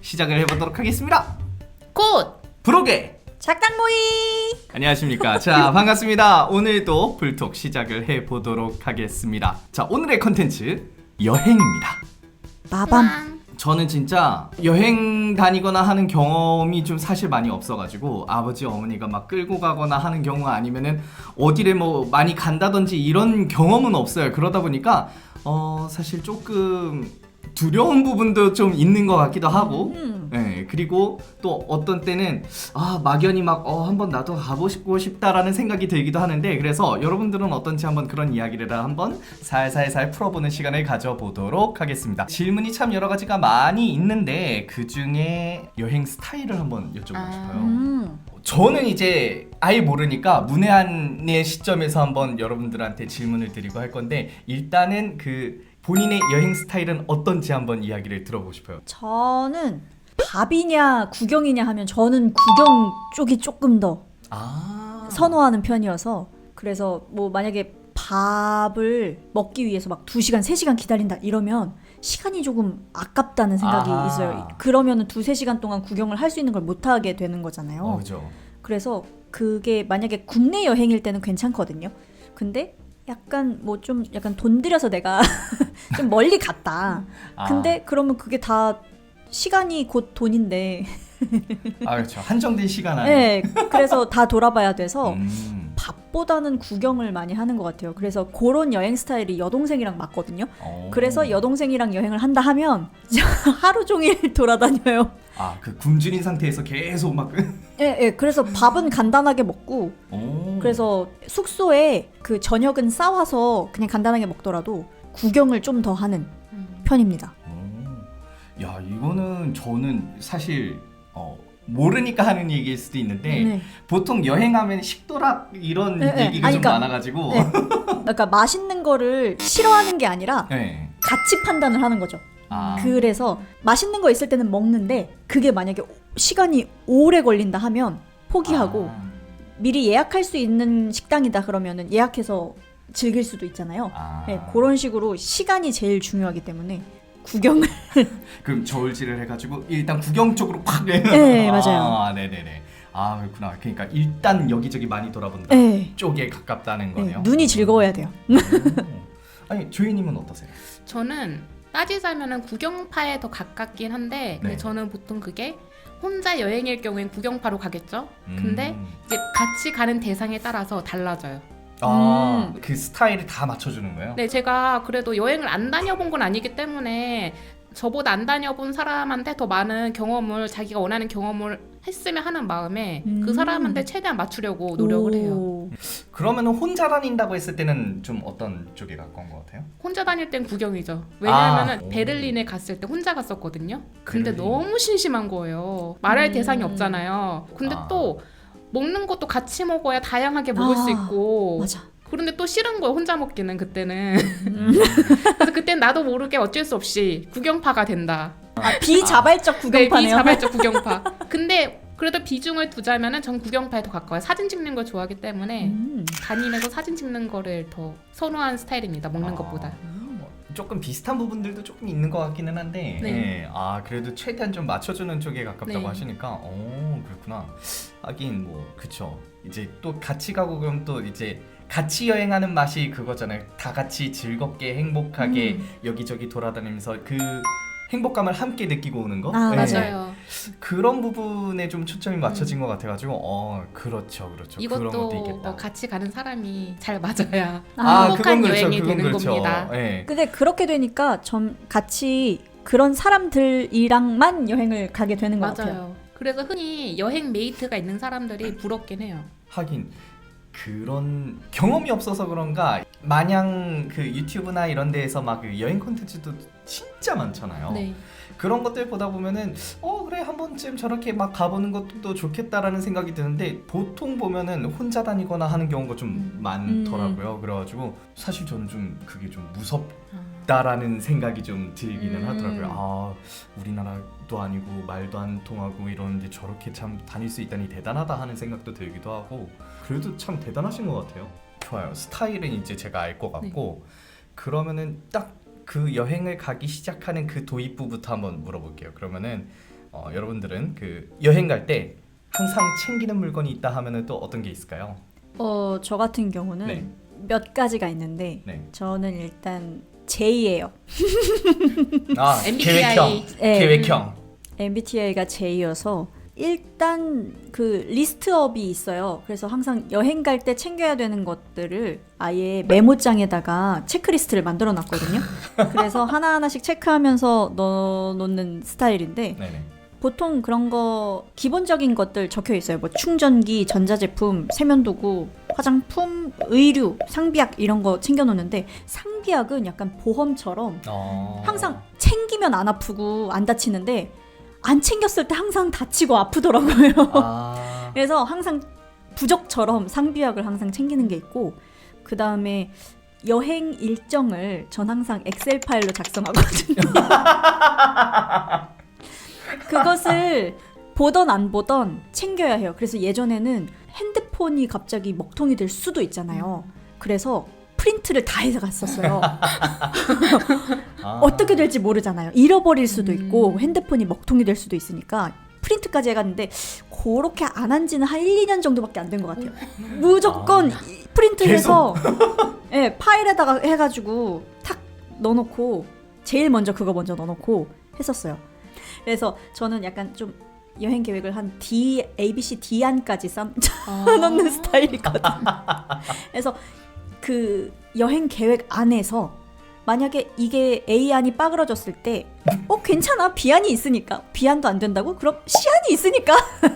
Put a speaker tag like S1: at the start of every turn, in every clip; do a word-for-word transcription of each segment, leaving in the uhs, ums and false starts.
S1: 시작을 해보도록 하겠습니다.
S2: 곧
S1: 브로게
S2: 작당모이.
S1: 안녕하십니까. 자, 반갑습니다. 오늘도 불톡 시작을 해보도록 하겠습니다. 자, 오늘의 컨텐츠 여행입니다.
S2: 마밤.
S1: 저는 진짜 여행 다니거나 하는 경험이 좀 사실 많이 없어가지고 아버지 어머니가 막 끌고 가거나 하는 경우 아니면은 어디를 뭐 많이 간다든지 이런 경험은 없어요. 그러다 보니까 어 사실 조금 두려운 부분도 좀 있는 것 같기도 하고
S2: 음.
S1: 네, 그리고 또 어떤 때는 아 막연히 막 어 한번 나도 가보고 싶다라는 생각이 들기도 하는데, 그래서 여러분들은 어떤지 한번 그런 이야기를 한번 살살살 풀어보는 시간을 가져보도록 하겠습니다. 질문이 참 여러 가지가 많이 있는데 그 중에 여행 스타일을 한번 여쭤보고
S2: 아.
S1: 싶어요.
S2: 음.
S1: 저는 이제 아예 모르니까 문외한의 시점에서 한번 여러분들한테 질문을 드리고 할 건데, 일단은 그 본인의 여행 스타일은 어떤지 한번 이야기를 들어보고 싶어요.
S2: 저는 밥이냐 구경이냐 하면 저는 구경 쪽이 조금 더
S1: 아
S2: 선호하는 편이어서, 그래서 뭐 만약에 밥을 먹기 위해서 막 두 시간, 세 시간 기다린다 이러면 시간이 조금 아깝다는 생각이
S1: 아하.
S2: 있어요. 그러면은 두세 시간 동안 구경을 할 수 있는 걸 못 하게 되는 거잖아요.
S1: 어, 그죠.
S2: 그래서 그게 만약에 국내 여행일 때는 괜찮거든요. 근데 약간 뭐 좀 약간 돈 들여서 내가 좀 멀리 갔다.
S1: 아.
S2: 근데 그러면 그게 다 시간이 곧 돈인데.
S1: 아 그렇죠. 한정된 시간 안에.
S2: 네. 그래서 다 돌아봐야 돼서
S1: 음.
S2: 밥보다는 구경을 많이 하는 것 같아요. 그래서 그런 여행 스타일이 여동생이랑 맞거든요.
S1: 오.
S2: 그래서 여동생이랑 여행을 한다 하면 하루 종일 돌아다녀요.
S1: 아그 굶주린 상태에서 계속 막.
S2: 예, 예. 그래서 밥은 간단하게 먹고,
S1: 오.
S2: 그래서 숙소에 그 저녁은 싸와서 그냥 간단하게 먹더라도 구경을 좀 더 하는 편입니다.
S1: 오. 야 이거는 저는 사실 어. 모르니까 하는 얘기일 수도 있는데
S2: 네.
S1: 보통 여행하면 식도락 이런
S2: 네, 네.
S1: 얘기가
S2: 아니,
S1: 좀
S2: 그러니까-
S1: 많아가지고.
S2: 네. 그러니까 맛있는 거를 싫어하는 게 아니라
S1: 네.
S2: 가치 판단을 하는 거죠.
S1: 아.
S2: 그래서 맛있는 거 있을 때는 먹는데 그게 만약에 시간이 오래 걸린다 하면 포기하고,
S1: 아.
S2: 미리 예약할 수 있는 식당이다 그러면은 예약해서 즐길 수도 있잖아요.
S1: 아.
S2: 네, 그런 식으로 시간이 제일 중요하기 때문에 구경을.
S1: 그럼 저울질을 해가지고 일단 구경 쪽으로 팍.
S2: 네, 맞아요.
S1: 아, 네네네. 아 그렇구나. 그러니까 일단 여기저기 많이 돌아본다
S2: 네.
S1: 쪽에 가깝다는
S2: 네,
S1: 거네요.
S2: 눈이 즐거워야 돼요.
S1: 오. 아니 조이님은 어떠세요?
S3: 저는 따지자면은 구경파에 더 가깝긴 한데, 근데
S1: 네.
S3: 저는 보통 그게 혼자 여행일 경우엔 구경파로 가겠죠. 근데
S1: 음.
S3: 이제 같이 가는 대상에 따라서 달라져요.
S1: 아,
S2: 음.
S1: 그 스타일을 다 맞춰주는 거예요?
S3: 네, 제가 그래도 여행을 안 다녀본 건 아니기 때문에 저보다 안 다녀본 사람한테 더 많은 경험을, 자기가 원하는 경험을 했으면 하는 마음에
S2: 음.
S3: 그 사람한테 최대한 맞추려고 노력을 해요.
S2: 오.
S1: 그러면은 혼자 다닌다고 했을 때는 좀 어떤 쪽에 가까운 것 같아요?
S3: 혼자 다닐 땐 구경이죠. 왜냐하면
S1: 아.
S3: 베를린에 갔을 때 혼자 갔었거든요. 근데
S1: 베를린.
S3: 너무 심심한 거예요. 말할
S2: 음.
S3: 대상이 없잖아요. 근데
S1: 아.
S3: 또 먹는 것도 같이 먹어야 다양하게 먹을
S2: 아,
S3: 수 있고.
S2: 맞아.
S3: 그런데 또 싫은 거예요, 혼자 먹기는 그때는.
S2: 음.
S3: 그래서 그땐 나도 모르게 어쩔 수 없이 구경파가 된다.
S2: 아, 비자발적
S3: 네,
S2: 구경파네요.
S3: 비자발적 구경파. 근데 그래도 비중을 두자면은 전 구경파에 더 가까워요. 사진 찍는 걸 좋아하기 때문에
S2: 음.
S3: 다니면서 사진 찍는 거를 더 선호하는 스타일입니다, 먹는
S1: 아.
S3: 것보다.
S1: 뭐 조금 비슷한 부분들도 조금 있는 것 같기는 한데,
S3: 네.
S1: 예. 아 그래도 최대한 좀 맞춰주는 쪽에 가깝다고
S3: 네.
S1: 하시니까, 오 그렇구나. 하긴 뭐 그쵸. 이제 또 같이 가고 그럼 또 이제 같이 여행하는 맛이 그거잖아요. 다 같이 즐겁게 행복하게
S2: 음.
S1: 여기저기 돌아다니면서 그 행복감을 함께 느끼고 오는 거.
S2: 아,
S1: 예.
S3: 맞아요.
S1: 그런 부분에 좀 초점이 맞춰진 것 같아가지고, 어 그렇죠, 그렇죠. 그런
S3: 이것도
S1: 것도 있겠다.
S3: 어, 같이 가는 사람이 잘 맞아야
S2: 아,
S3: 행복한
S1: 그건
S3: 여행이
S1: 그건
S3: 되는
S1: 그렇죠.
S3: 겁니다.
S1: 예.
S2: 근데 그렇게 되니까 좀 같이 그런 사람들이랑만 여행을 가게 되는 것 같아요.
S3: 맞아요. 그래서 흔히 여행 메이트가 있는 사람들이 부럽긴 해요.
S1: 하긴 그런 경험이 없어서 그런가 마냥 그 유튜브나 이런 데에서 막 그 여행 콘텐츠도 진짜 많잖아요.
S3: 네.
S1: 그런 것들 보다 보면은 어 그래 한 번쯤 저렇게 막 가보는 것도 또 좋겠다라는 생각이 드는데, 보통 보면은 혼자 다니거나 하는 경우가 좀
S3: 음.
S1: 많더라고요. 그래가지고 사실 저는 좀 그게 좀 무섭.
S3: 아.
S1: 다라는 생각이 좀 들기는
S3: 음.
S1: 하더라고요. 아 우리나라도 아니고 말도 안 통하고 이러는데 저렇게 참 다닐 수 있다니 대단하다 하는 생각도 들기도 하고, 그래도 참 대단하신 것 같아요. 좋아요. 스타일은 이제 제가 알 것 같고, 그러면은 딱 그 여행을 가기 시작하는 그 도입부부터 한번 물어볼게요. 그러면은 어, 여러분들은 그 여행 갈 때 항상 챙기는 물건이 있다 하면은 또 어떤 게 있을까요?
S2: 어, 저 같은 경우는
S1: 네.
S2: 몇 가지가 있는데
S1: 네.
S2: 저는 일단 제이예요.
S1: 아,
S3: 엠비티아이.
S1: 계획형.
S2: 네.
S1: 계획형.
S2: 엠비티아이가 제이여서 일단 그 리스트업이 있어요. 그래서 항상 여행 갈 때 챙겨야 되는 것들을 아예 메모장에다가 체크리스트를 만들어 놨거든요. 그래서 하나하나씩 체크하면서 넣어놓는 스타일인데
S1: 네네.
S2: 보통 그런 거 기본적인 것들 적혀 있어요. 뭐 충전기, 전자제품, 세면도구, 화장품, 의류, 상비약 이런 거 챙겨 놓는데 상비약은 약간 보험처럼
S1: 어...
S2: 항상 챙기면 안 아프고 안 다치는데 안 챙겼을 때 항상 다치고 아프더라고요.
S1: 아...
S2: 그래서 항상 부적처럼 상비약을 항상 챙기는 게 있고 그 다음에 여행 일정을 전 항상 엑셀 파일로 작성하거든요. 그것을 보던 안 보던 챙겨야 해요. 그래서 예전에는 핸드폰이 갑자기 먹통이 될 수도 있잖아요. 그래서 프린트를 다 해서 갔었어요.
S1: 아...
S2: 어떻게 될지 모르잖아요. 잃어버릴 수도 있고 핸드폰이 먹통이 될 수도 있으니까 프린트까지 해갔는데 그렇게 안 한 지는 한 일, 이 년 정도밖에 안 된 것 같아요. 무조건
S1: 아...
S2: 프린트해서 네, 파일에다가 해가지고 탁 넣어놓고 제일 먼저 그거 먼저 넣어놓고 했었어요. 그래서 저는 약간 좀 여행 계획을 한 D, A, B, C, D 안까지 쌓아놓는 스타일이거든요. 그래서 그 여행 계획 안에서 만약에 이게 A 안이 빠그러졌을 때 어 괜찮아 B 안이 있으니까 B 안도 안 된다고? 그럼 C 안이 있으니까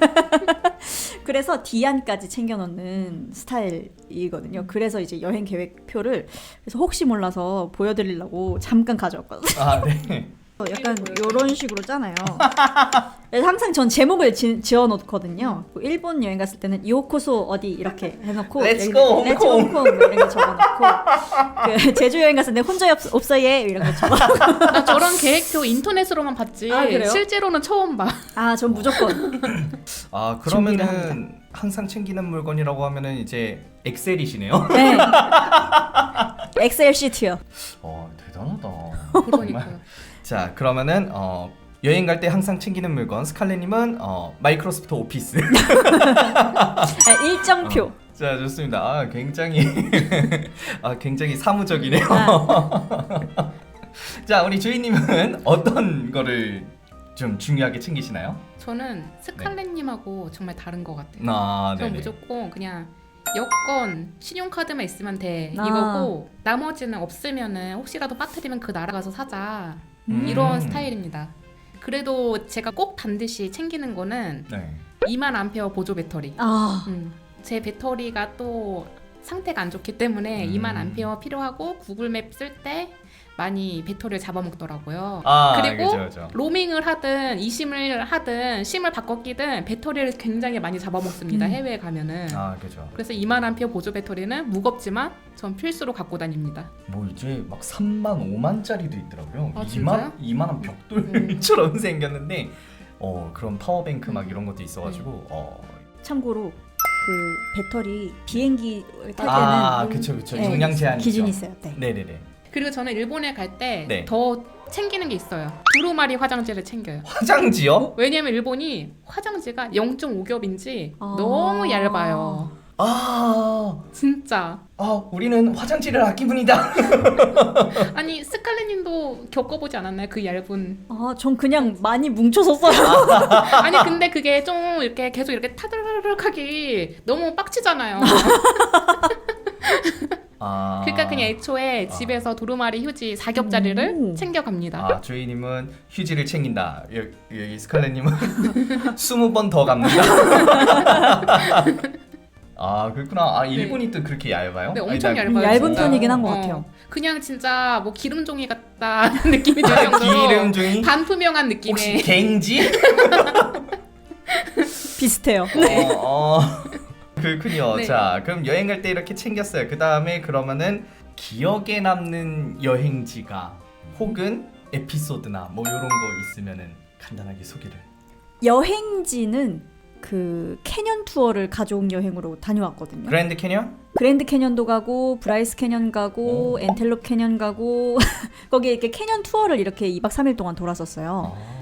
S2: 그래서 D 안까지 챙겨놓는 스타일이거든요. 그래서 이제 여행 계획표를 그래서 혹시 몰라서 보여드리려고 잠깐 가져왔거든요.
S1: 아, 네.
S2: 약간 이런 식으로 짜나요. 그래서 항상 전 제목을 지, 지어놓거든요. 일본 여행 갔을 때는 요코소 어디 이렇게 해놓고
S1: Let's go,
S2: Let's go 홍콩 뭐 이런 거 적어놓고 그 제주 여행 갔을 때 혼자 없, 없어 얘 이런 거 적어놓고
S3: 나 저런 계획표 인터넷으로만 봤지
S2: 아, 그래요?
S3: 실제로는 처음 봐.
S2: 아, 전 무조건
S1: 아,
S2: 준비를
S1: 그러면은 항상 챙기는 물건이라고 하면은 이제 엑셀이시네요.
S2: 네. 엑셀 시트요.
S1: 어, 대단하다.
S3: 그러니까.
S1: 자, 그러면은 어, 여행 갈 때 항상 챙기는 물건 스칼렛님은 어, 마이크로소프트 오피스.
S2: 네, 일정표.
S1: 어, 자, 좋습니다. 아, 굉장히 아, 굉장히 사무적이네요.
S2: 아.
S1: 자, 우리 주인님은 어떤 거를 좀 중요하게 챙기시나요?
S3: 저는 스칼렛님하고 정말 다른 것 같아요.
S1: 아,
S3: 저는
S1: 네네.
S3: 무조건 그냥 여권, 신용카드만 있으면 돼
S2: 아.
S3: 이거고 나머지는 없으면은 혹시라도 빠뜨리면 그 나라 가서 사자
S1: 음.
S3: 이런 스타일입니다. 그래도 제가 꼭 반드시 챙기는 거는
S1: 네.
S3: 이만 암페어 보조 배터리.
S2: 아,
S3: 음, 제 배터리가 또 상태가 안 좋기 때문에
S1: 음.
S3: 이만 암페어 필요하고 구글맵 쓸 때 많이 배터리를 잡아먹더라고요.
S1: 아,
S3: 그리고
S1: 그죠, 그죠.
S3: 로밍을 하든 이심을 하든 심을 바꿔 끼든 배터리를 굉장히 많이 잡아먹습니다.
S2: 음.
S3: 해외에 가면은.
S1: 아, 그죠.
S3: 그래서 이만 암페어 보조 배터리는 무겁지만 전 필수로 갖고 다닙니다.
S1: 뭐 이제 막 삼만, 오만짜리도 있더라고요.
S3: 아,
S1: 이만,
S3: 진짜요?
S1: 이만한 벽돌처럼 생겼는데 어, 그런 파워뱅크 막 이런 것도 있어가지고 어.
S2: 참고로 그 배터리 비행기 탈 때는
S1: 아, 그쵸, 그쵸.
S2: 네,
S1: 용량 제한이
S2: 기준이
S1: 있죠.
S2: 있어요. 네.
S1: 네네네.
S3: 그리고 저는 일본에 갈 때
S1: 네.
S3: 더 챙기는 게 있어요. 두루마리 화장지를 챙겨요.
S1: 화장지요?
S3: 왜냐면 일본이 화장지가 영 점 오 겹인지
S2: 아.
S3: 너무 얇아요.
S1: 아,
S3: 진짜.
S1: 아, 우리는 화장지를 아끼분이다.
S3: 아니 스칼렛님도 겪어보지 않았나요? 그 얇은.
S2: 아, 전 그냥 많이 뭉쳐서 써요.
S3: 아니 근데 그게 좀 이렇게 계속 이렇게 타드르륵하기 너무 빡치잖아요.
S1: 아,
S3: 그러니까 그냥 애초에
S1: 아.
S3: 집에서 두루마리 휴지 사 겹짜리를
S2: 오.
S3: 챙겨갑니다.
S1: 아, 주인님은 휴지를 챙긴다. 여기, 여기 스칼렛님은 스무 번 더 갑니다. 아, 그렇구나. 아, 일본이 또 그렇게 얇아요?
S3: 네,
S1: 아니,
S3: 엄청
S1: 나-
S3: 얇아요.
S2: 얇은
S3: 진짜.
S2: 편이긴 한 것
S3: 어,
S2: 같아요.
S3: 그냥 진짜 뭐 기름종이 같다는 느낌이 들 정도로
S1: 기름종이?
S3: 반투명한
S1: 혹시
S3: 느낌의.
S1: 갱지?
S2: 비슷해요.
S1: 어, 어. 그렇군요.
S3: 네.
S1: 자, 그럼 여행 갈 때 이렇게 챙겼어요. 그 다음에 그러면은 기억에 남는 여행지가 혹은 에피소드나 뭐 이런 거 있으면은 간단하게 소개를.
S2: 여행지는 그 캐년 투어를 가족 여행으로 다녀왔거든요.
S1: 그랜드 캐년?
S2: 그랜드 캐년도 가고 브라이스 캐년 가고
S1: 오.
S2: 엔텔롭 캐년 가고 거기에 이렇게 캐년 투어를 이렇게 이박 삼일 동안 돌았었어요.
S1: 아.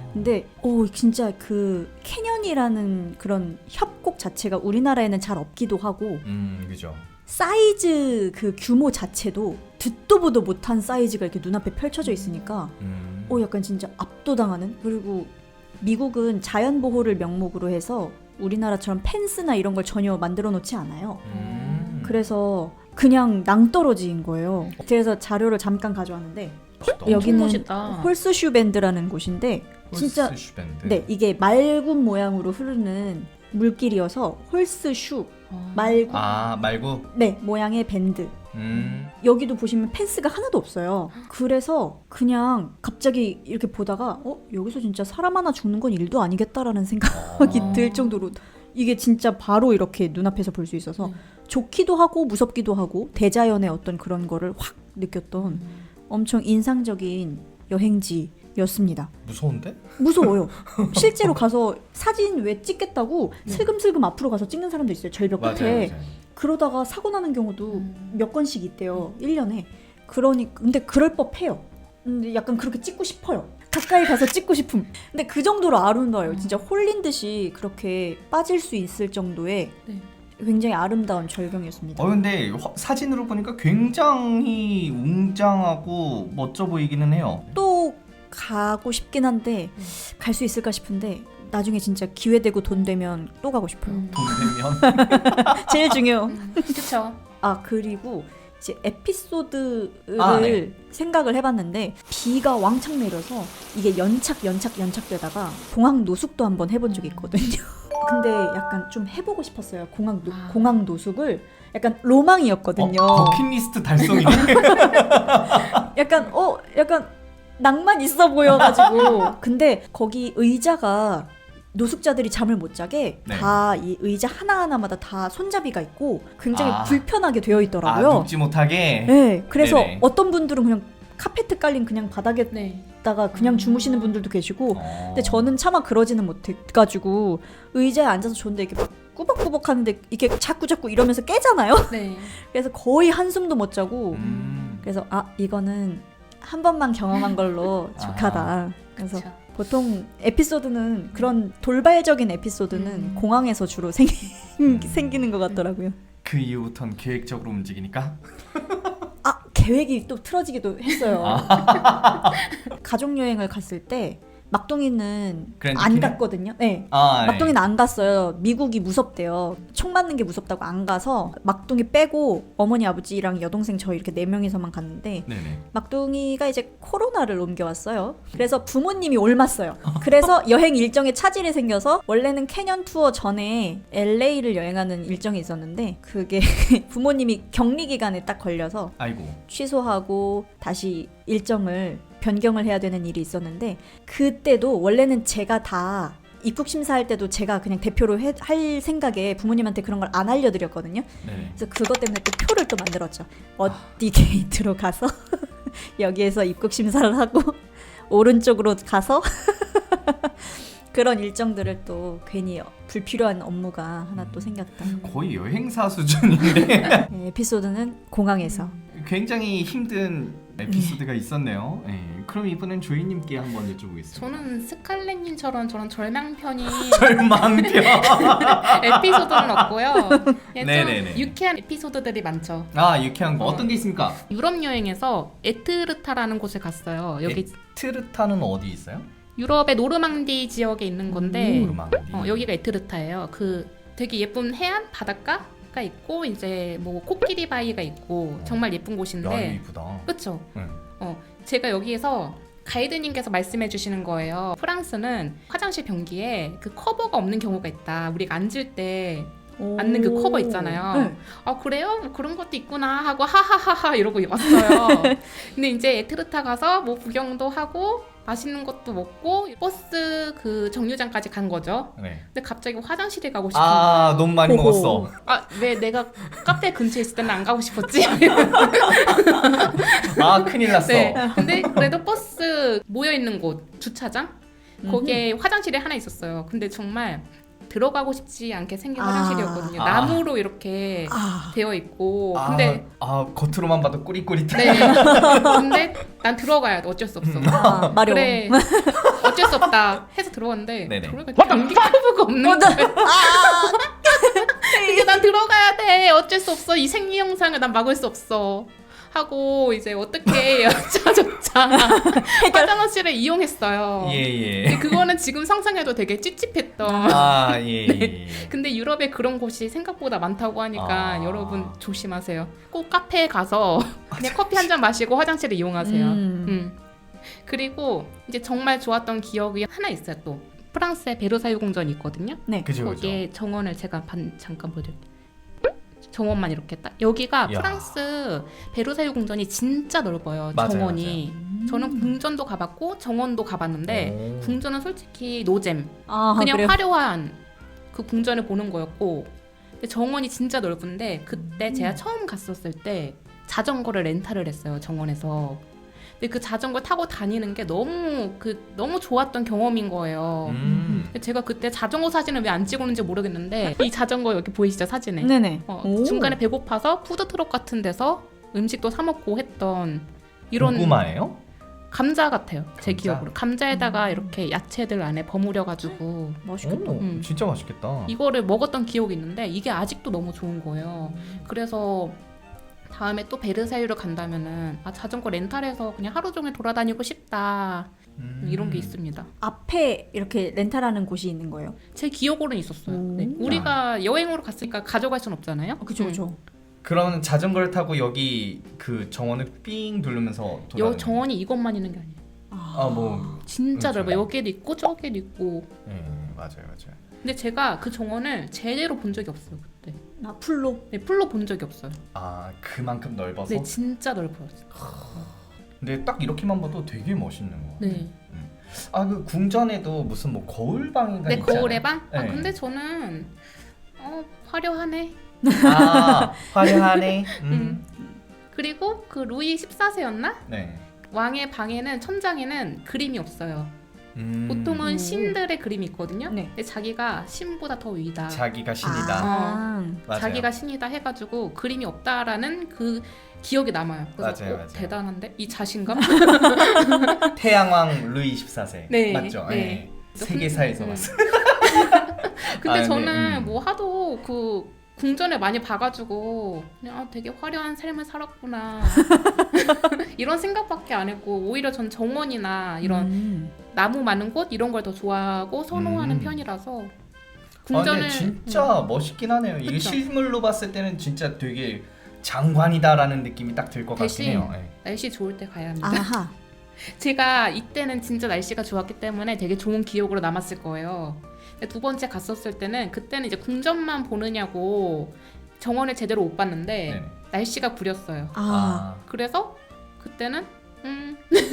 S2: 근데 오 진짜 그 캐년이라는 그런 협곡 자체가 우리나라에는 잘 없기도 하고
S1: 음, 그죠.
S2: 사이즈 그 규모 자체도 듣도 보도 못한 사이즈가 이렇게 눈앞에 펼쳐져 있으니까
S1: 음.
S2: 오 약간 진짜 압도당하는. 그리고 미국은 자연 보호를 명목으로 해서 우리나라처럼 펜스나 이런 걸 전혀 만들어 놓지 않아요.
S1: 음.
S2: 그래서 그냥 낭떠러지인 거예요. 그래서 자료를 잠깐 가져왔는데
S1: 너무
S2: 여기는
S3: 멋있다.
S2: 홀스슈 밴드라는 곳인데 진짜
S1: 홀스 밴드.
S2: 네 이게 말군 모양으로 흐르는 물길이어서 홀스슈
S3: 어.
S2: 말군
S1: 아, 말고.
S2: 네 모양의 밴드.
S1: 음.
S2: 여기도 보시면 펜스가 하나도 없어요. 그래서 그냥 갑자기 이렇게 보다가 어 여기서 진짜 사람 하나 죽는 건 일도 아니겠다라는 생각이
S3: 어.
S2: 들 정도로 이게 진짜 바로 이렇게 눈앞에서 볼 수 있어서
S3: 음.
S2: 좋기도 하고 무섭기도 하고 대자연의 어떤 그런 거를 확 느꼈던 엄청 인상적인 여행지였습니다.
S1: 무서운데?
S2: 무서워요. 실제로 가서 사진 왜 찍겠다고 슬금슬금 앞으로 가서 찍는 사람도 있어요. 절벽
S1: 맞아요,
S2: 끝에.
S1: 맞아요.
S2: 그러다가 사고 나는 경우도
S3: 음.
S2: 몇 건씩 있대요. 일 년에. 그러니 근데 그럴 법해요. 근데 약간 그렇게 찍고 싶어요. 가까이 가서 찍고 싶음. 근데 그 정도로 아름다워요. 진짜 홀린 듯이 그렇게 빠질 수 있을 정도의
S3: 네.
S2: 굉장히 아름다운 절경이었습니다.
S1: 어 근데 화- 사진으로 보니까 굉장히 웅장하고 멋져 보이기는 해요.
S2: 또 가고 싶긴 한데
S3: 음.
S2: 갈 수 있을까 싶은데 나중에 진짜 기회 되고 돈 되면 또 가고 싶어요.
S3: 음.
S1: 돈 되면.
S2: 제일 중요해요.
S3: 음, 그쵸.
S2: 아 그리고 이제 에피소드를
S1: 아, 네.
S2: 생각을 해봤는데 비가 왕창 내려서 이게 연착 연착 연착되다가 공항 노숙도 한번 해본 적이 있거든요. 근데 약간 좀 해보고 싶었어요. 공항 노,
S3: 아.
S2: 공항 노숙을 약간 로망이었거든요.
S1: 어, 버킷리스트 달성이네.
S2: 약간 어 약간 낭만 있어 보여가지고 근데 거기 의자가 노숙자들이 잠을 못 자게
S1: 네.
S2: 다 이 의자 하나하나마다 다 손잡이가 있고 굉장히
S1: 아.
S2: 불편하게 되어
S1: 아,
S2: 있더라고요.
S1: 눕지 못하게.
S2: 네, 그래서
S1: 네네.
S2: 어떤 분들은 그냥 카페트 깔린 그냥 바닥에다가
S3: 네.
S2: 그냥
S3: 음.
S2: 주무시는 분들도 계시고
S1: 어.
S2: 근데 저는 차마 그러지는 못해가지고 의자에 앉아서 좋은데 이렇게 막 꾸벅꾸벅 하는데 이게 자꾸 자꾸 이러면서 깨잖아요.
S3: 네.
S2: 그래서 거의 한숨도 못 자고
S1: 음.
S2: 그래서 아 이거는 한 번만 경험한 걸로
S1: 아.
S2: 족하다. 그래서
S3: 그쵸.
S2: 보통 에피소드는 그런 돌발적인 에피소드는
S3: 음.
S2: 공항에서 주로 생, 생기는 것 같더라고요.
S1: 그 이후부터는 계획적으로 움직이니까.
S2: 아 계획이 또 틀어지기도 했어요.
S1: 아.
S2: 가족 여행을 갔을 때 막둥이는
S1: 그랜드
S2: 안
S1: 캐니언?
S2: 갔거든요. 네.
S1: 아, 네.
S2: 막둥이는 안 갔어요. 미국이 무섭대요. 총 맞는 게 무섭다고 안 가서 막둥이 빼고 어머니 아버지랑 여동생 저 이렇게 네 명이서만 갔는데
S1: 네네.
S2: 막둥이가 이제 코로나를 옮겨왔어요. 그래서 부모님이 옮았어요. 그래서 여행 일정에 차질이 생겨서 원래는 캐년 투어 전에 엘에이를 여행하는 일정이 있었는데 그게 부모님이 격리 기간에 딱 걸려서
S1: 아이고.
S2: 취소하고 다시 일정을 변경을 해야 되는 일이 있었는데 그때도 원래는 제가 다 입국 심사할 때도 제가 그냥 대표로 해, 할 생각에 부모님한테 그런 걸 안 알려드렸거든요.
S1: 네네.
S2: 그래서 그것 때문에 또 표를 또 만들었죠. 어디 게이트로 가서 여기에서 입국 심사를 하고 오른쪽으로 가서 그런 일정들을 또 괜히 불필요한 업무가 하나 또 생겼다.
S1: 거의 여행사 수준인데.
S2: 네, 에피소드는 공항에서.
S1: 굉장히 힘든 에피소드가 있었네요. 네. 그럼 이번엔 조이님께 한번 여쭤보겠습니다.
S3: 저는 스칼렛님처럼 저런 절망편이
S1: 절망편.
S3: 에피소드는 없고요. 예, 좀
S1: 네네네.
S3: 유쾌한 에피소드들이 많죠.
S1: 아, 유쾌한 거 어떤 게 있습니까?
S3: 유럽 여행에서 에트르타라는 곳에 갔어요. 여기
S1: 에트르타는 어디 있어요?
S3: 유럽의 노르망디 지역에 있는 건데
S1: 노르망디.
S3: 어, 여기가 에트르타예요. 그 되게 예쁜 해안 바닷가가 있고 이제 뭐 코끼리 바위가 있고 정말 예쁜
S1: 야,
S3: 곳인데
S1: 이쁘다.
S3: 그렇죠.
S1: 응.
S3: 어, 제가 여기에서 가이드님께서 말씀해 주시는 거예요. 프랑스는 화장실 변기에 그 커버가 없는 경우가 있다. 우리가 앉을 때 앉는 그 커버 있잖아요.
S2: 네.
S3: 아 그래요? 뭐 그런 것도 있구나 하고 하하하하 이러고 왔어요. 근데 이제 에트르타 가서 뭐 구경도 하고 맛있는 것도 먹고 버스 그 정류장까지 간 거죠.
S1: 네.
S3: 근데 갑자기 화장실에 가고 싶은
S1: 아,
S3: 거예요.
S1: 너무 많이
S2: 호호.
S1: 먹었어.
S3: 아 왜 내가 카페 근처에 있을 때는 안 가고 싶었지?
S1: 아, 큰일 났어.
S3: 네. 근데 그래도 버스 모여 있는 곳 주차장 거기에 화장실이 하나 있었어요. 근데 정말 들어가고 싶지 않게 생긴
S2: 아.
S3: 화장실이었거든요.
S1: 아.
S3: 나무로 이렇게
S2: 아,
S3: 되어 있고
S1: 아,
S3: 근데
S1: 아 겉으로만 봐도 꾸릿꾸릿해.
S3: 네. 근데 난 들어가야 돼. 어쩔 수 없어.
S2: 아 마려.
S3: 그래. 어쩔 수 없다 해서 들어갔는데
S1: 네네.
S3: 들어가니까 전기 커브가 없는 거야. 근데 난 들어가야 돼. 어쩔 수 없어. 이 생리 현상을 난 막을 수 없어. 하고 이제 어떻게 여차저차 화장실을 이용했어요.
S1: 예예.
S3: 근데 그거는 지금 상상해도 되게 찝찝했던.
S1: 아 예.
S3: 네.
S1: 예.
S3: 근데 유럽에 그런 곳이 생각보다 많다고 하니까
S1: 아.
S3: 여러분 조심하세요. 꼭 카페에 가서 그냥 커피 한 잔 마시고 화장실을 이용하세요.
S2: 음.
S3: 음. 그리고 이제 정말 좋았던 기억이 하나 있어요. 또 프랑스에 베르사유 궁전이 있거든요.
S2: 네.
S1: 그죠 그죠.
S3: 거기에 정원을 제가 반, 잠깐 보여드릴게요. 정원만 이렇게 딱 여기가
S1: 야.
S3: 프랑스 베르사유 궁전이 진짜 넓어요.
S1: 맞아요,
S3: 정원이. 저는 궁전도 가봤고 정원도 가봤는데
S1: 오.
S3: 궁전은 솔직히 노잼.
S2: 아
S3: 그냥
S2: 그래요?
S3: 화려한 그 궁전을 보는 거였고 근데 정원이 진짜 넓은데 그때 제가 처음 갔었을 때 자전거를 렌탈을 했어요. 정원에서. 근데 그 자전거 타고 다니는 게 너무 그 너무 좋았던 경험인 거예요.
S1: 음.
S3: 근데 제가 그때 자전거 사진을 왜 안 찍었는지 모르겠는데 이 자전거 여기 보이시죠 사진에?
S2: 네네.
S3: 어,
S2: 오.
S3: 중간에 배고파서 푸드트럭 같은 데서 음식도 사 먹고 했던 이런
S1: 고구마예요?
S3: 감자 같아요. 제
S1: 감자?
S3: 기억으로 감자에다가 이렇게 야채들 안에 버무려가지고
S2: 맛있겠다.
S1: 오,
S3: 음.
S1: 진짜 맛있겠다.
S3: 이거를 먹었던 기억이 있는데 이게 아직도 너무 좋은 거예요. 그래서 다음에 또 베르사유를 간다면은 아 자전거 렌탈해서 그냥 하루 종일 돌아다니고 싶다
S1: 음.
S3: 이런 게 있습니다.
S2: 앞에 이렇게 렌탈하는 곳이 있는 거예요.
S3: 제 기억으로는 있었어요.
S2: 오.
S3: 네. 우리가 여행으로 갔으니까 가져갈 순 없잖아요.
S2: 아, 그죠
S3: 음.
S2: 그죠.
S1: 그러면 자전거를 타고 여기 그 정원을 삥 누르면서
S3: 여
S1: 돌아다니는.
S3: 정원이 이것만 있는 게 아니에요.
S1: 아 뭐.
S3: 진짜
S1: 그렇죠.
S3: 넓어요. 여기도 있고 저기도 있고.
S1: 예 맞아요 맞아요.
S3: 근데 제가 그 정원을 제대로 본 적이 없어요 그때.
S2: 나 풀로.
S3: 네, 풀로 본 적이 없어요.
S1: 아 그만큼 넓어서.
S3: 네, 진짜 넓어요.
S1: 근데 딱 이렇게만 봐도 되게 멋있는 거.
S3: 네.
S1: 아그 궁전에도 무슨 뭐 거울방인가
S3: 네,
S1: 있잖아요.
S3: 거울의 방? 아,
S1: 네.
S3: 근데 저는 어, 화려하네.
S1: 아 화려하네. 음.
S3: 그리고 그 루이 십사 세였나?
S1: 네.
S3: 왕의 방에는 천장에는 그림이 없어요.
S1: 음.
S3: 보통은
S2: 오.
S3: 신들의 그림이 있거든요.
S2: 네.
S3: 근데 자기가 신보다 더 위다.
S1: 자기가 신이다.
S2: 아.
S1: 맞아요.
S3: 자기가 신이다 해가지고 그림이 없다라는 그 기억이 남아요. 그래서
S1: 맞아요,
S3: 어,
S1: 맞아요.
S3: 대단한데 이 자신감.
S1: 태양왕 루이 십사 세.
S3: 네,
S1: 맞죠?
S3: 네.
S1: 예. 세계사에서
S3: 음.
S1: 봤어요.
S3: 근데
S1: 아, 네,
S3: 저는
S1: 음.
S3: 뭐 하도 그 궁전을 많이 봐가지고 그냥 아, 되게 화려한 삶을 살았구나 이런 생각밖에 안 했고 오히려 전 정원이나 이런
S2: 음.
S3: 나무 많은 곳 이런 걸 더 좋아하고 선호하는
S1: 음.
S3: 편이라서
S1: 아,
S3: 궁전을
S1: 근데 진짜
S3: 음.
S1: 멋있긴 하네요. 이게
S3: 그쵸?
S1: 실물로 봤을 때는 진짜 되게 장관이다라는 느낌이 딱 들 것 같긴
S3: 대신
S1: 해요. 예.
S3: 날씨 좋을 때 가야 합니다.
S2: 아하.
S3: 제가 이때는 진짜 날씨가 좋았기 때문에 되게 좋은 기억으로 남았을 거예요. 근데 두 번째 갔었을 때는 그때는 이제 궁전만 보느냐고 정원을 제대로 못 봤는데
S1: 네네.
S3: 날씨가 구렸어요.
S2: 아.
S3: 그래서 그때는 음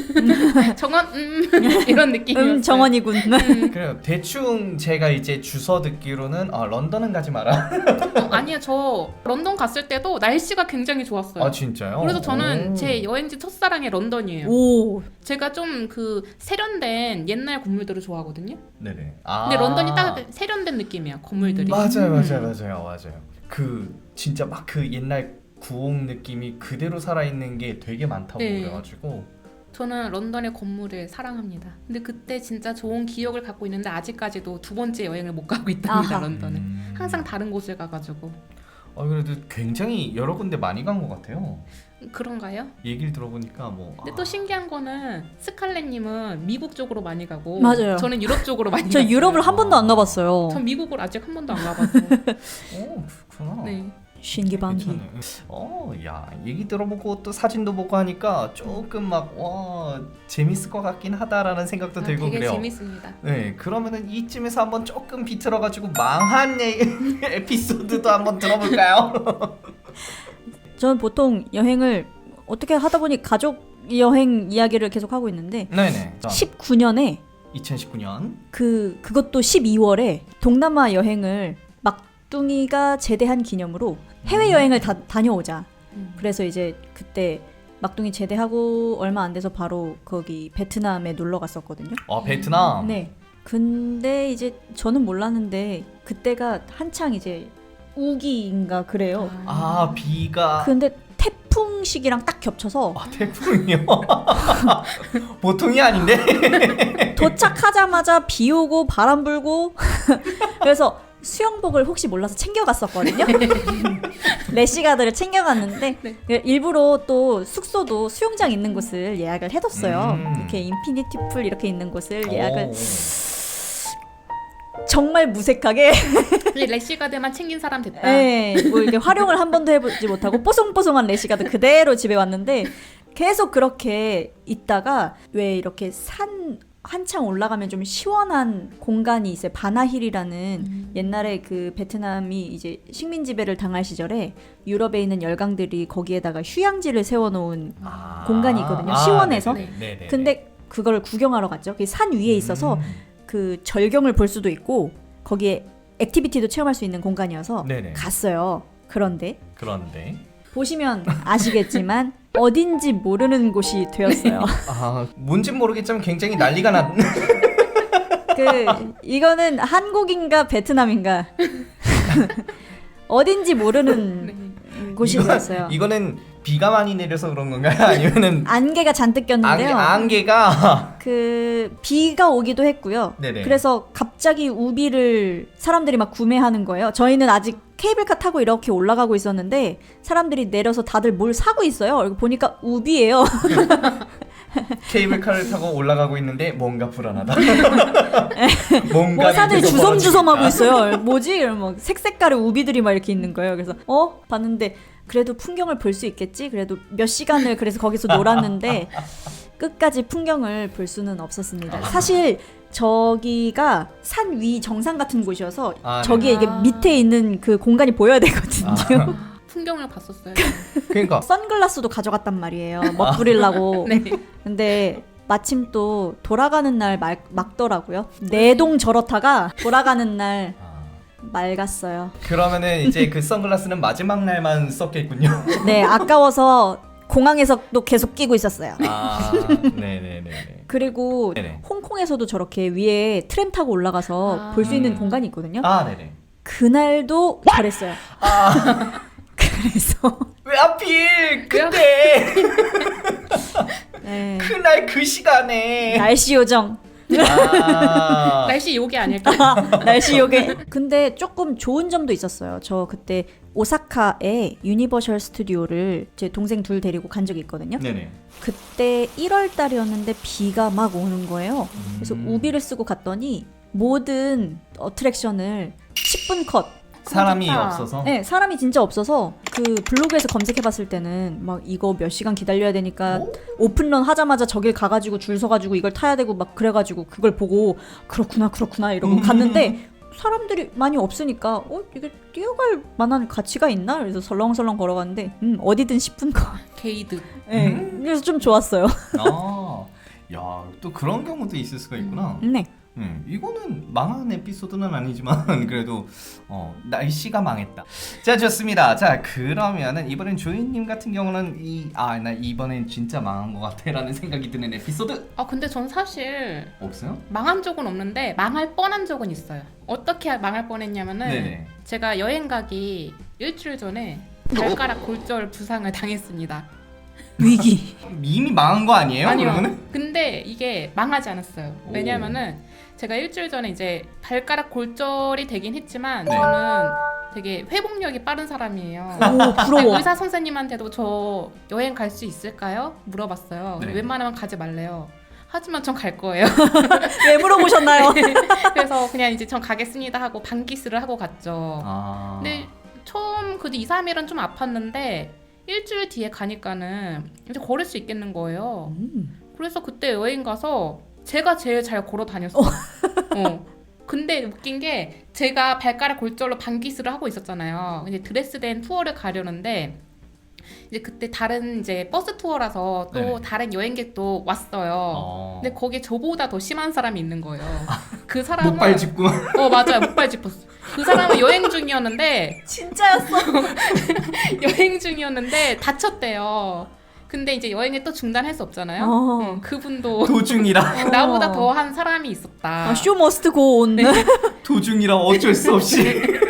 S3: 정원 음 이런 느낌이었어요.
S2: 음 정원이군.
S3: 음.
S1: 그래요. 대충 제가 이제 주워 듣기로는 아 런던은 가지 마라.
S3: 어, 아니요, 저 런던 갔을 때도 날씨가 굉장히 좋았어요.
S1: 아 진짜요?
S3: 그래서 저는
S1: 오.
S3: 제 여행지 첫사랑이 런던이에요.
S2: 오.
S3: 제가 좀 그 세련된 옛날 건물들을 좋아하거든요.
S1: 네네. 아.
S3: 근데 런던이 딱 세련된 느낌이야 건물들이.
S1: 맞아요,
S2: 음.
S1: 맞아요, 맞아요, 맞아요. 그 진짜 막 그 옛날 구옥 느낌이 그대로 살아 있는 게 되게 많다고
S3: 네.
S1: 그래가지고.
S3: 저는 런던의 건물을 사랑합니다. 근데 그때 진짜 좋은 기억을 갖고 있는데 아직까지도 두 번째 여행을 못 가고 있답니다.
S2: 아하.
S3: 런던은.
S1: 음.
S3: 항상 다른 곳을 가가지고.
S1: 어 그래도 굉장히 여러 군데 많이 간 것 같아요.
S3: 그런가요?
S1: 얘기를 들어보니까 뭐.
S3: 근데
S1: 아.
S3: 또 신기한 거는 스칼렛님은 미국 쪽으로 많이 가고
S2: 맞아요.
S3: 저는 유럽 쪽으로 많이
S2: 저
S3: 갔어요.
S2: 유럽을 한 번도 안 가봤어요.
S3: 전 미국을 아직 한 번도 안 가봐서.
S1: 오 그렇구나.
S3: 네.
S2: 신기반기.
S1: 괜찮네. 어, 야 얘기 들어보고 또 사진도 보고 하니까 조금 막 와 재밌을 것 같긴 하다라는 생각도
S3: 아,
S1: 들고
S3: 되게
S1: 그래요.
S3: 재밌습니다.
S1: 네, 그러면은 이쯤에서 한번 조금 비틀어가지고 망한 예- 에피소드도 한번 들어볼까요?
S2: 저는 보통 여행을 어떻게 하다 보니 가족 여행 이야기를 계속 하고 있는데
S1: 네네.
S2: 십구 년에
S1: 이천십구 년.
S2: 그 그것도 십이월에 동남아 여행을 막둥이가 제대한 기념으로 해외 여행을 다 다녀오자.
S3: 음.
S2: 그래서 이제 그때 막둥이 제대하고 얼마 안 돼서 바로 거기 베트남에 놀러 갔었거든요.
S1: 어 베트남.
S2: 네. 근데 이제 저는 몰랐는데 그때가 한창 이제 우기인가 그래요.
S1: 아 비가
S2: 근데 태풍 시기랑 딱 겹쳐서
S1: 아, 태풍이요? 보통이 아닌데?
S2: 도착하자마자 비 오고 바람 불고 그래서 수영복을 혹시 몰라서 챙겨갔었거든요. 래시가드를 챙겨갔는데
S3: 네.
S2: 일부러 또 숙소도 수영장 있는 곳을 예약을 해뒀어요.
S1: 음.
S2: 이렇게 인피니티 풀 이렇게 있는 곳을 예약을
S1: 오.
S2: 정말 무색하게
S3: 근데 래시가드만 챙긴 사람 됐다.
S2: 네, 뭐 이렇게 활용을 한 번도 해보지 못하고 뽀송뽀송한 래시가드 그대로 집에 왔는데 계속 그렇게 있다가 왜 이렇게 산 한창 올라가면 좀 시원한 공간이 있어요. 바나힐이라는
S3: 음.
S2: 옛날에 그 베트남이 이제 식민 지배를 당할 시절에 유럽에 있는 열강들이 거기에다가 휴양지를 세워놓은
S1: 아.
S2: 공간이 있거든요.
S1: 아,
S2: 시원해서.
S1: 네네, 네네.
S2: 근데 그걸 구경하러 갔죠. 그 산 위에 있어서
S1: 음.
S2: 그 절경을 볼 수도 있고 거기에 액티비티도 체험할 수 있는 공간이어서
S1: 네네.
S2: 갔어요. 그런데
S1: 그런데
S2: 보시면 아시겠지만 어딘지 모르는 곳이 되었어요.
S1: 아 뭔진 모르겠지만 굉장히 난리가 났.
S2: 그 이거는 한국인가 베트남인가 어딘지 모르는
S3: 네.
S2: 곳이
S1: 이거-
S2: 되었어요.
S1: 이거는 비가 많이 내려서 그런 건가요? 아니면은
S2: 안개가 잔뜩
S1: 안개,
S2: 꼈는데요.
S1: 안개가
S2: 그 비가 오기도 했고요.
S1: 네네.
S2: 그래서 갑자기 우비를 사람들이 막 구매하는 거예요. 저희는 아직 케이블카 타고 이렇게 올라가고 있었는데 사람들이 내려서 다들 뭘 사고 있어요. 그리고 보니까 우비예요.
S1: 케이블카를 타고 올라가고 있는데 뭔가 불안하다. 뭔가
S2: 뭐 사람들이 주섬주섬 하고 있어요. 뭐지? 이러면 막 색색깔의 우비들이 막 이렇게 있는 거예요. 그래서 어? 봤는데 그래도 풍경을 볼 수 있겠지? 그래도 몇 시간을 그래서 거기서 놀았는데 끝까지 풍경을 볼 수는 없었습니다. 사실 저기가 산 위 정상 같은 곳이어서
S1: 아,
S2: 저기에
S3: 네.
S2: 이게 밑에 있는 그 공간이 보여야 되거든요.
S1: 아.
S3: 풍경을 봤었어요.
S1: 그러니까
S2: 선글라스도 가져갔단 말이에요. 멋부리려고.
S3: 네.
S2: 근데 마침 또 돌아가는 날 말, 막더라고요. 내동 저렇다가 돌아가는 날
S1: 아,
S2: 맑았어요.
S1: 그러면은 이제 그 선글라스는 마지막 날만 썼겠군요.
S2: 네, 아까워서 공항에서 또 계속 끼고 있었어요.
S1: 아, 네네네.
S2: 그리고
S1: 네네.
S2: 홍콩에서도 저렇게 위에 트램 타고 올라가서
S3: 아.
S2: 볼 수 있는
S1: 음.
S2: 공간이 있거든요.
S1: 아, 네네.
S2: 그날도 저랬어요.
S1: 아,
S2: 그래서
S1: 왜 하필 그때
S2: 네,
S1: 그날 그 시간에.
S2: 날씨 요정.
S1: 아,
S3: 날씨 요게 아닐까?
S2: 날씨 요게. 근데 조금 좋은 점도 있었어요. 저 그때 오사카에 유니버셜 스튜디오를 제 동생 둘 데리고 간 적이 있거든요.
S1: 네네.
S2: 그때 일월 달이었는데 비가 막 오는 거예요. 그래서
S1: 음.
S2: 우비를 쓰고 갔더니 모든 어트랙션을 십 분 컷.
S1: 사람이
S3: 좋다.
S1: 없어서.
S2: 네, 사람이 진짜 없어서 그 블로그에서 검색해봤을 때는 막 이거 몇 시간 기다려야 되니까
S1: 오?
S2: 오픈런 하자마자 저길 가가지고 줄 서가지고 이걸 타야 되고 막 그래가지고 그걸 보고 그렇구나 그렇구나 이러고
S1: 음.
S2: 갔는데 사람들이 많이 없으니까 어 이게 뛰어갈 만한 가치가 있나? 그래서 설렁설렁 걸어갔는데 음 어디든 십 분 컷.
S3: 게이드.
S2: 네,
S1: 음.
S2: 그래서 좀 좋았어요.
S1: 아, 야, 또 그런 경우도 있을 수가 있구나.
S2: 네.
S1: 음, 이거는 망한 에피소드는 아니지만 그래도 어, 날씨가 망했다. 자, 좋습니다. 자, 그러면은 이번엔 조이님 같은 경우는 이 아, 나 이번엔 진짜 망한 것 같아라는 생각이 드는 에피소드
S3: 아 근데 전 사실
S1: 없어요?
S3: 망한 적은 없는데 망할 뻔한 적은 있어요. 어떻게 망할 뻔했냐면은
S1: 네네.
S3: 제가 여행 가기 일주일 전에 발가락 골절 부상을 당했습니다.
S2: 위기.
S1: 이미 망한 거 아니에요?
S3: 아니요.
S1: 그러면은?
S3: 근데 이게 망하지 않았어요.
S1: 오.
S3: 왜냐면은 제가 일주일 전에 이제 발가락 골절이 되긴 했지만
S1: 네.
S3: 저는 되게 회복력이 빠른 사람이에요.
S2: 오 부러워.
S3: 의사 선생님한테도 저 여행 갈 수 있을까요? 물어봤어요.
S1: 네.
S3: 웬만하면 가지 말래요. 하지만 전 갈 거예요.
S2: 왜 물어보셨나요?
S3: 그래서 그냥 이제 전 가겠습니다 하고 반기스를 하고 갔죠.
S1: 아.
S3: 근데 처음 그 이, 삼 일은 좀 아팠는데 일주일 뒤에 가니까는 이제 걸을 수 있겠는 거예요.
S2: 음.
S3: 그래서 그때 여행 가서 제가 제일 잘 걸어 다녔어요. 어. 근데 웃긴 게 제가 발가락 골절로 반기스를 하고 있었잖아요. 이제 드레스덴 투어를 가려는데 이제 그때 다른 이제 버스 투어라서 또
S1: 네네.
S3: 다른 여행객도 왔어요.
S1: 어.
S3: 근데 거기에 저보다 더 심한 사람이 있는 거예요. 그 사람은
S1: 목발 짚고.
S3: 어 맞아요, 목발 짚었어. 그 사람은 여행 중이었는데
S2: 진짜였어.
S3: 여행 중이었는데 다쳤대요. 근데 이제 여행을 또 중단할 수 없잖아요.
S2: 어.
S3: 음, 그분도
S1: 도중이라
S3: 나보다 더 한 사람이 있었다.
S2: 아, 쇼 머스트 고 온.
S1: 도중이라 어쩔 수 없이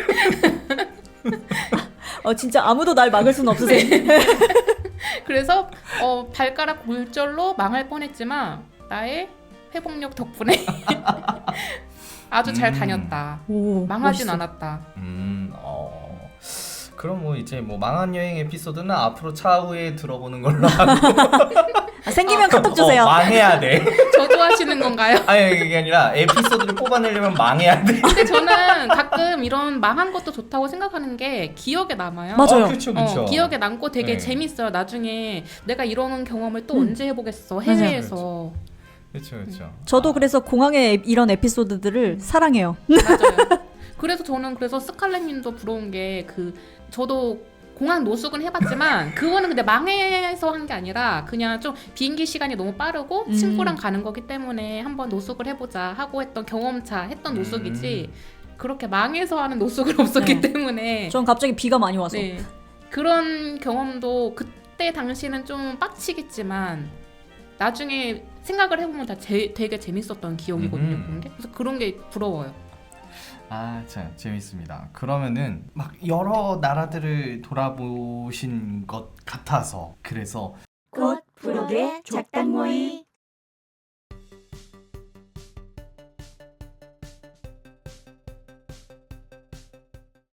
S2: 어, 진짜 아무도 날 막을 수는 없으세요.
S3: 그래서 어, 발가락 골절로 망할 뻔했지만 나의 회복력 덕분에 아주 잘
S1: 음.
S3: 다녔다.
S2: 오,
S3: 망하진
S2: 멋있어.
S3: 않았다.
S1: 음, 어. 그럼 뭐 이제 뭐 망한 여행 에피소드는 앞으로 차후에 들어보는 걸로 하고
S2: 아, 생기면 카톡 주세요.
S1: 어, 망해야 돼.
S3: 저주하시는 건가요?
S1: 아니 그게 아니라 에피소드를 뽑아내려면 망해야 돼.
S3: 근데 저는 가끔 이런 망한 것도 좋다고 생각하는 게 기억에 남아요.
S2: 맞아요.
S1: 어, 그렇죠, 그렇죠.
S3: 어, 기억에 남고 되게
S1: 네.
S3: 재밌어요. 나중에 내가 이런 경험을 또
S2: 음.
S3: 언제 해보겠어 해외에서.
S1: 그렇죠, 그렇죠.
S2: 저도 그래서 공항의 이런 에피소드들을 사랑해요.
S3: 맞아요. 그래서 저는 그래서 스칼렛님도 부러운 게 그 저도 공항 노숙은 해봤지만 그거는 근데 망해서 한 게 아니라 그냥 좀 비행기 시간이 너무 빠르고
S2: 음.
S3: 친구랑 가는 거기 때문에 한번 노숙을 해보자 하고 했던 경험차 했던
S1: 음.
S3: 노숙이지 그렇게 망해서 하는 노숙은 없었기
S2: 네.
S3: 때문에
S2: 전 갑자기 비가 많이 와서.
S3: 네. 그런 경험도 그때 당시는 좀 빡치겠지만 나중에 생각을 해보면 다 제, 되게 재밌었던 기억이거든요.
S1: 음.
S3: 그런 게. 그래서 그런 게 부러워요.
S1: 아, 참 재밌습니다. 그러면은 막 여러 나라들을 돌아보신 것 같아서 그래서
S4: 곧 부록의 작당 모의